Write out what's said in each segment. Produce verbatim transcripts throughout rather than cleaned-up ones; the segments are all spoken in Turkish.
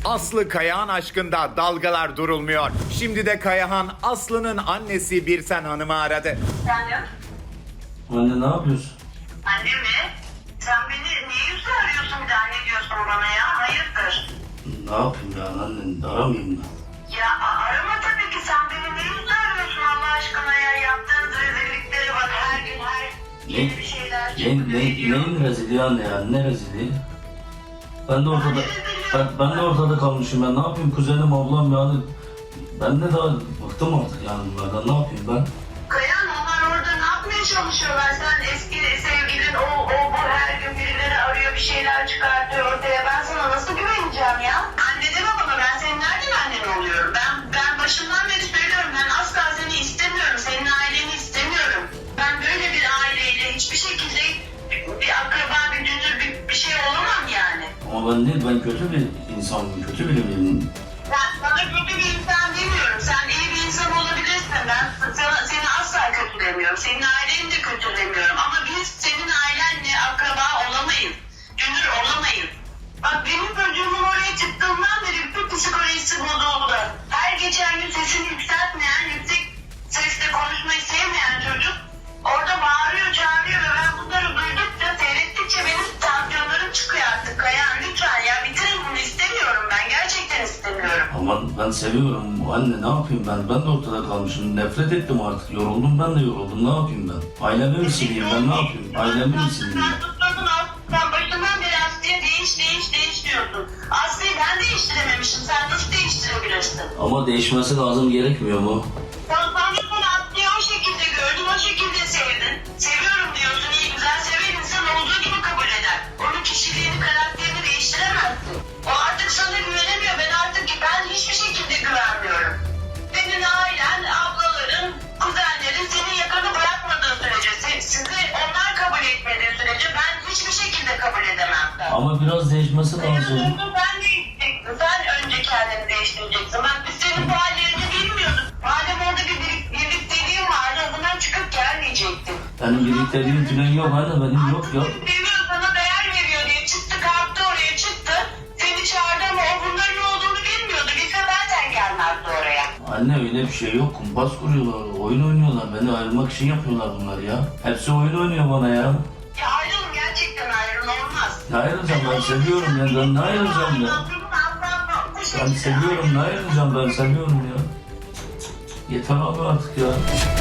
Aslı Kayahan aşkında dalgalar durulmuyor. Şimdi de Kayahan Aslı'nın annesi Birsen Hanım'ı aradı. Efendim? Anne ne yapıyorsun? Anne mi? Sen beni niye yüzle arıyorsun bir daha ne diyorsun bana ya? Hayırdır? Ne yapayım ya anne, aramayayım mı? Ya a- arama tabii ki, sen beni niye yüzle arıyorsun Allah aşkına ya? Yaptığın rezillikleri bak, her gün her yeni bir şeyler Ne, çıkıyor. ne, ediyor. neyin rezili anne ya, ne rezili? Ben de ortada, ben, ben de ortada kalmışım, ben ne yapayım kuzenim, ablam yani. Ben de daha bıktım artık yani bunlardan, ne yapayım ben? Kayan, onlar orada ne yapmaya çalışıyorlar? Sen eski sevgilin o, o bu her gün birileri arıyor, bir şeyler çıkartıyor ortaya. Ben sana nasıl güveneceğim ya? Anne deme bana, ben senin nereden annen oluyorum? Ben ben başından beri söylüyorum, ben asla seni istemiyorum, senin aileni istemiyorum. Ben böyle bir aileyle hiçbir şekilde bir akraba, bir dünür, bir, bir şey olamam yani. Ama ben değil, ben kötü bir insanım, kötü biri miyim? Ben sana kötü bir insan demiyorum. Sen iyi bir insan olabilirsin. Ben sana, seni asla kötülemiyorum. Senin aileni de kötülemiyorum. Ama biz senin ailenle akraba olamayız. Dünür olamayız. Bak benim çocuğumun oraya çıktığından beri bütün psikolojisi bozuldu. Her geçen gün sesini yükseltmeyen, yüksek sesle konuşmayı sevmeyen çocuk orada bağırıyor, çağırıyor ve ben bunları duydukça, seyrettikçe benim tansiyonlarım çıkıyor artık. Kayan lütfen ya, bitirin bunu, istemiyorum ben. Gerçekten istemiyorum. Ama ben seviyorum anne, ne yapayım ben? Ben de ortada kalmışım, nefret ettim artık, yoruldum, ben de yoruldum, ne yapayım ben? Ailemi mi sileyim ben, ne yapayım? Ailemi mi sileyim? Sen tutturdun Aslı, sen başından beri Aslı'ya değiş, değiş, değiş diyorsun. Aslı'yı ben değiştirememişim, sen nasıl değiştirebilirsin? Ama değişmesi lazım, gerekmiyor mu? Sen sanıyorsun Aslı'yı o şekilde gördün, o şekilde sevdin. Seviyorum diyorsun, iyi güzel seven insan olduğu gibi kabul eder. Onun kişiliğini, karakterini değiştiremezsin. O artık sana güvenemiyor, ben artık ben hiçbir şekilde güvenmiyorum. Senin ailen, ablaların, kuzenlerin senin yakanı bırakmadığı sürece, se- sizi onlar kabul etmediği sürece ben hiçbir şekilde kabul edemem. Ama biraz değişmesi Senin lazım. önce sen değiştireceksin, sen önce kendini değiştireceksin. Bak biz senin bu hallerini bilmiyorduk. Madem orada bir birik- birlikteliğin vardı, o zaman çıkıp gelmeyecektin. Benim birlikteliğim falan yok anne, benim yok ya. Seviyor, sana değer veriyor diye çıktı, kalktı oraya çıktı. Seni çağırdı ama o bunların olduğunu bilmiyordu. Bilse zaten gelmezdi oraya. Anne öyle bir şey yok, kumpas kuruyorlar, oyun oynuyorlar, beni ayırmak için yapıyorlar bunlar ya. Hepsi oyun oynuyor bana ya. Ya ayrılın, gerçekten ayrılın, olmaz. Ne ayrılacağım, ben seviyorum ya, ben ne ayrılacağım ya. Ben seviyorum, ne ayrılacağım, ben seviyorum ya. Yeter abi artık ya.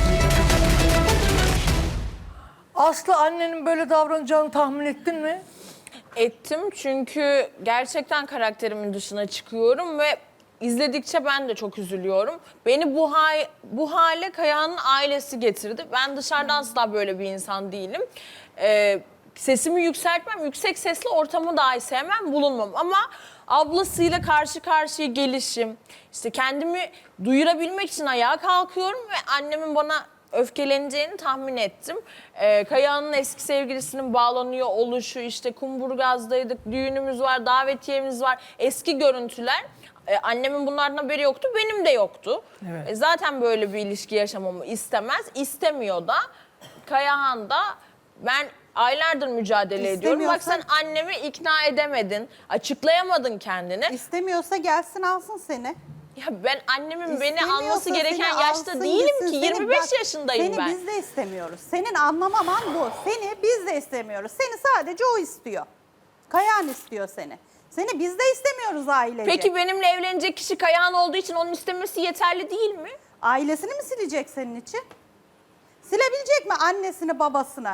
Aslı, annenin böyle davranacağını tahmin ettin mi? Ettim çünkü gerçekten karakterimin dışına çıkıyorum ve izledikçe ben de çok üzülüyorum. Beni bu, ha bu hale Kayahan'ın ailesi getirdi. Ben dışarıdan asla böyle bir insan değilim. Ee, sesimi yükseltmem, yüksek sesli ortamı dahi sevmem, bulunmam. Ama ablasıyla karşı karşıya gelişim, işte kendimi duyurabilmek için ayağa kalkıyorum ve annemin bana öfkeleneceğini tahmin ettim. Ee, Kayahan'ın eski sevgilisinin bağlanıyor oluşu, işte Kumburgaz'daydık, düğünümüz var, davetiyemiz var, eski görüntüler. Ee, annemin bunlardan haberi yoktu, benim de yoktu. Evet. Ee, zaten böyle bir ilişki yaşamamı istemez, istemiyor da. Kayahan da, ben aylardır mücadele ediyorum. Bak sen annemi ikna edemedin, açıklayamadın kendini. İstemiyorsa gelsin alsın seni. Ya ben annemin beni İstemiyorsa alması gereken seni yaşta alsın değilim gitsin. ki. Seni yirmi beş bak, yaşındayım seni ben. Seni biz de istemiyoruz. Senin anlamaman bu. Seni biz de istemiyoruz. Seni sadece o istiyor. Kayahan istiyor seni. Seni biz de istemiyoruz ailece. Peki benimle evlenecek kişi Kayahan olduğu için onun istemesi yeterli değil mi? Ailesini mi silecek senin için? Silebilecek mi annesini, babasını?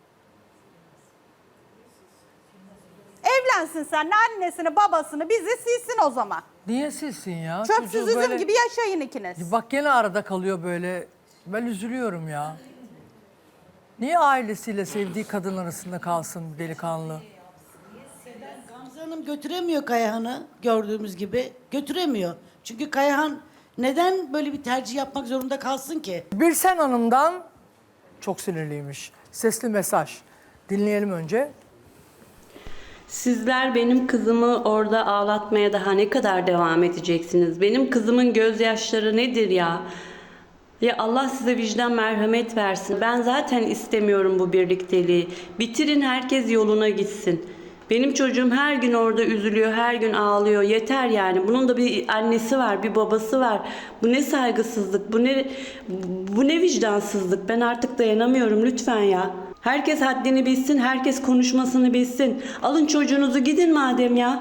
Evlensin seninle, annesini, babasını, bizi silsin o zaman. Niye silsin ya? Çöpsüz Çocuğu üzüm böyle- gibi yaşayın ikiniz. Bak gene arada kalıyor böyle. Ben üzülüyorum ya. Niye ailesiyle sevdiği kadın arasında kalsın delikanlı? Gamze Hanım götüremiyor Kayahan'ı gördüğümüz gibi. Götüremiyor. Çünkü Kayahan neden böyle bir tercih yapmak zorunda kalsın ki? Birsen Hanım'dan çok sinirliymiş. Sesli mesaj. Dinleyelim önce. Sizler benim kızımı orada ağlatmaya daha ne kadar devam edeceksiniz? Benim kızımın gözyaşları nedir ya? Ya Allah size vicdan merhamet versin. Ben zaten istemiyorum bu birlikteliği. Bitirin, herkes yoluna gitsin. Benim çocuğum her gün orada üzülüyor, her gün ağlıyor. Yeter yani. Bunun da bir annesi var, bir babası var. Bu ne saygısızlık, bu ne bu ne vicdansızlık. Ben artık dayanamıyorum lütfen ya. Herkes haddini bilsin, herkes konuşmasını bilsin. Alın çocuğunuzu gidin madem ya.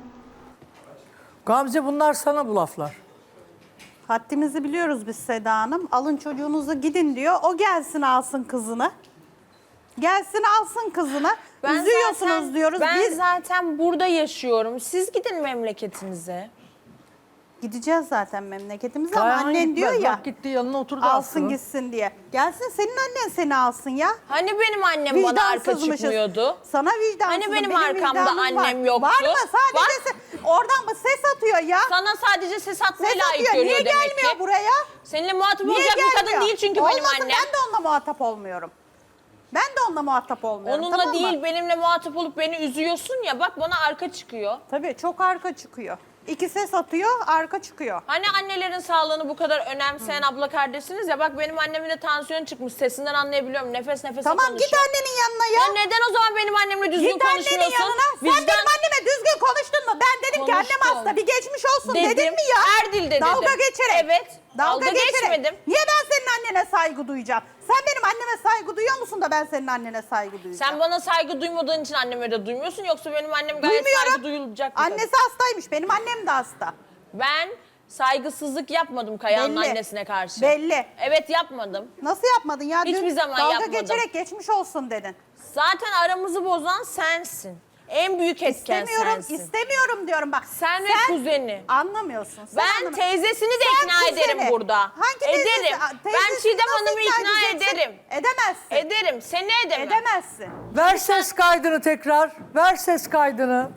Gamze bunlar sana bu laflar. Haddimizi biliyoruz biz Seda Hanım. Alın çocuğunuzu gidin diyor. O gelsin alsın kızını. Gelsin alsın kızını. Üzüyorsunuz zaten- diyoruz. Ben Biz zaten burada yaşıyorum. Siz gidin memleketinize. gideceğiz zaten memleketimize ama Kayahan annen gitmez. diyor ya. Bak gitti yanına oturdu Alsın Aslı'nın. gitsin diye. Gelsin senin annen seni alsın ya. Hani benim annem bana arka Vicdansızmışız. çıkmıyordu? Sana vicdansızım. Hani benim arkamda vicdanım annem var. yoktu? Var mı? Sadece Bak. se- oradan mı ses atıyor ya? Sana sadece ses atmayı Ses layık atıyor. görüyor Niye demek gelmiyor ki. buraya? Seninle muhatap Niye olacak bir kadın gelmiyor? değil çünkü Olmasın, benim annem. ben de onunla muhatap olmuyorum. Ben de onunla muhatap olmuyorum. Onunla tamam mı? değil benimle muhatap olup beni üzüyorsun ya bak bana arka çıkıyor. Tabii çok arka çıkıyor. İki ses atıyor, arka çıkıyor. Hani annelerin sağlığını bu kadar önemseyen abla kardeşsiniz ya bak benim annemin de tansiyon çıkmış sesinden anlayabiliyorum nefes nefese Tamam konuşuyor. git annenin yanına ya. Ya neden o zaman benim annemle düzgün Git annenin konuşmuyorsun? yanına. Sen Vicdan- benim anneme düzgün konuştun mu? Ben dedim ki annem Konuştum. hasta bir geçmiş olsun Dedim. dedin mi ya? Erdil de Dalga dedim. geçerek. Evet. Dalga geçmedim. Niye ben senin annene saygı duyacağım? Sen benim anneme saygı duyuyor musun da ben senin annene saygı duyacağım? Sen bana saygı duymadığın için anneme de duymuyorsun yoksa benim annem gayet Duymuyorum. saygı duyulacak bir kadın. Annesi hastaymış. Benim annem de hasta. Ben saygısızlık yapmadım Kaya'nın Belli. annesine karşı. Belli. Evet yapmadım. Nasıl yapmadın ya? Hiçbir Dün zaman dalga yapmadım. geçerek geçmiş olsun dedin. Zaten aramızı bozan sensin. En büyük etken İstemiyorum, sensin. istemiyorum diyorum bak. Sen ve kuzeni. Anlamıyorsun. Sen Ben anlamıyorsun. teyzesini de Sen ikna kuzeni. ederim burada. Hangi teyzesi? Ederim. Aa, Ben teyzesini Çiğdem nasıl Hanım'ı ikna edeceksin? ederim. Edemezsin. Ederim. Seni edemem. Edemezsin. Ver ses kaydını tekrar. Ver ses kaydını.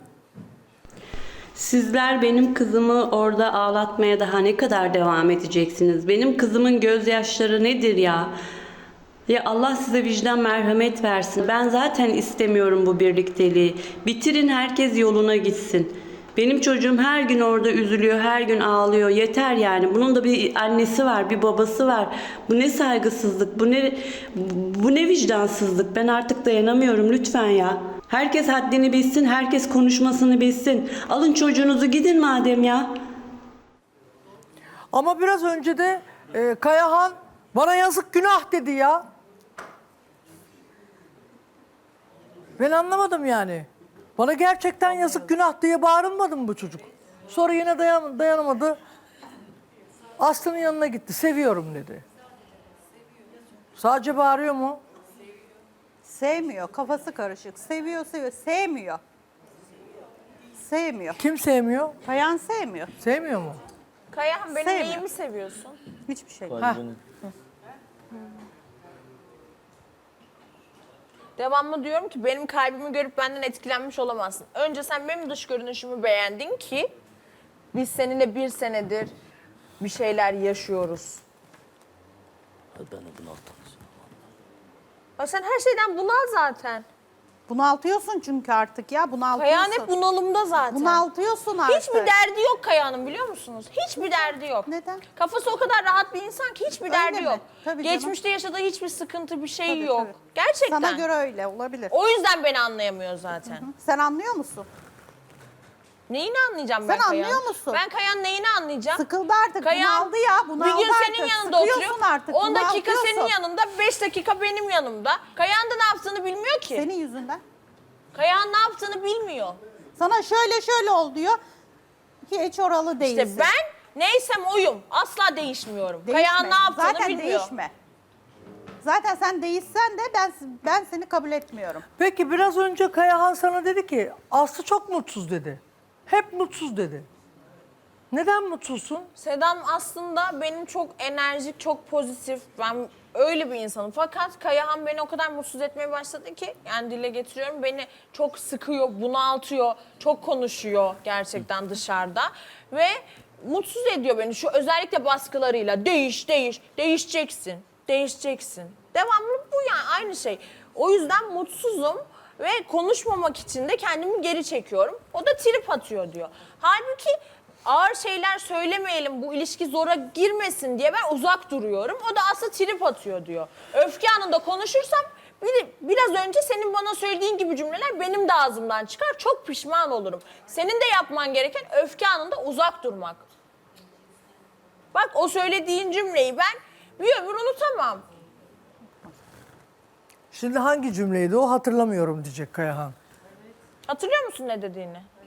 Sizler benim kızımı orada ağlatmaya daha ne kadar devam edeceksiniz? Benim kızımın gözyaşları nedir ya? Ya Allah size vicdan merhamet versin. Ben zaten istemiyorum bu birlikteliği. Bitirin herkes yoluna gitsin. Benim çocuğum her gün orada üzülüyor, her gün ağlıyor. Yeter yani. Bunun da bir annesi var, bir babası var. Bu ne saygısızlık, bu ne bu ne vicdansızlık. Ben artık dayanamıyorum lütfen ya. Herkes haddini bilsin, herkes konuşmasını bilsin. Alın çocuğunuzu gidin madem ya. Ama biraz önce de e, Kayahan bana yazık günah dedi ya. Ben anlamadım yani. Bana gerçekten yazık günah diye bağırılmadı mı bu çocuk? Sonra yine dayan, dayanamadı. Aslı'nın yanına gitti. Seviyorum dedi. Sadece bağırıyor mu? Sevmiyor. Kafası karışık. Seviyor, seviyor. Sevmiyor. Sevmiyor. Kim sevmiyor? Kayan sevmiyor. Sevmiyor mu? Kayahan benim Sevmiyor. neyimi seviyorsun? Hiçbir şey. Heh. Devamlı diyorum ki benim kalbimi görüp benden etkilenmiş olamazsın. Önce sen benim dış görünüşümü beğendin ki biz seninle bir senedir bir şeyler yaşıyoruz. Ya sen her şeyden bunal zaten. Bunaltıyorsun çünkü artık ya. Bunaltıyorsun. Kayahan hep bunalımda zaten. Bunaltıyorsun artık. Hiçbir derdi yok Kayahan'ın biliyor musunuz? Hiçbir derdi yok. Neden? Kafası o kadar rahat bir insan ki hiçbir Öyle derdi mi? yok. Tabii canım. Geçmişte yaşadığı hiçbir sıkıntı bir şey Tabii, yok. tabii. Gerçekten. Sana göre öyle olabilir. O yüzden beni anlayamıyor zaten. Sen anlıyor musun? Neyini anlayacağım ben Sen Kayahan'ın? anlıyor musun? Ben Kayahan'ın neyini anlayacağım? Sıkıldı artık. Kayahan bunaldı ya. Bunaldı bir gün artık. senin yanında Sıkıyorsun oturuyor. artık. on dakika bunaltıyorsun. senin yanında, beş dakika benim yanımda. Kayahan da ne yaptığını bilmiyor ki. Senin yüzünden. Kayahan ne yaptığını bilmiyor. Sana şöyle şöyle ol diyor. Hiç oralı değilsin. İşte ben neysem oyum. Asla değişmiyorum. Değişme. Kayahan ne yaptığını Zaten bilmiyor. değişme. Zaten sen değişsen de ben ben seni kabul etmiyorum. Peki biraz önce Kayahan sana dedi ki Aslı çok mutsuz dedi. Hep mutsuz dedi. Neden mutsuzsun? Sedam aslında benim çok enerjik, çok pozitif. Ben öyle bir insanım. Fakat Kayahan beni o kadar mutsuz etmeye başladı ki yani dile getiriyorum. Beni çok sıkıyor, bunaltıyor, çok konuşuyor gerçekten dışarıda. Ve mutsuz ediyor beni şu özellikle baskılarıyla. Değiş, değiş, değişeceksin, değişeceksin. Devamlı bu yani aynı şey. O yüzden mutsuzum. Ve konuşmamak için de kendimi geri çekiyorum. O da trip atıyor diyor. Halbuki ağır şeyler söylemeyelim, bu ilişki zora girmesin diye ben uzak duruyorum. O da aslında trip atıyor diyor. Öfke anında konuşursam Bir de biraz önce senin bana söylediğin gibi cümleler benim de ağzımdan çıkar. Çok pişman olurum. Senin de yapman gereken öfke anında uzak durmak. Bak o söylediğin cümleyi ben bir ömür unutamam. Şimdi hangi cümleydi o hatırlamıyorum diyecek Kayahan. Hatırlıyor musun ne dediğini?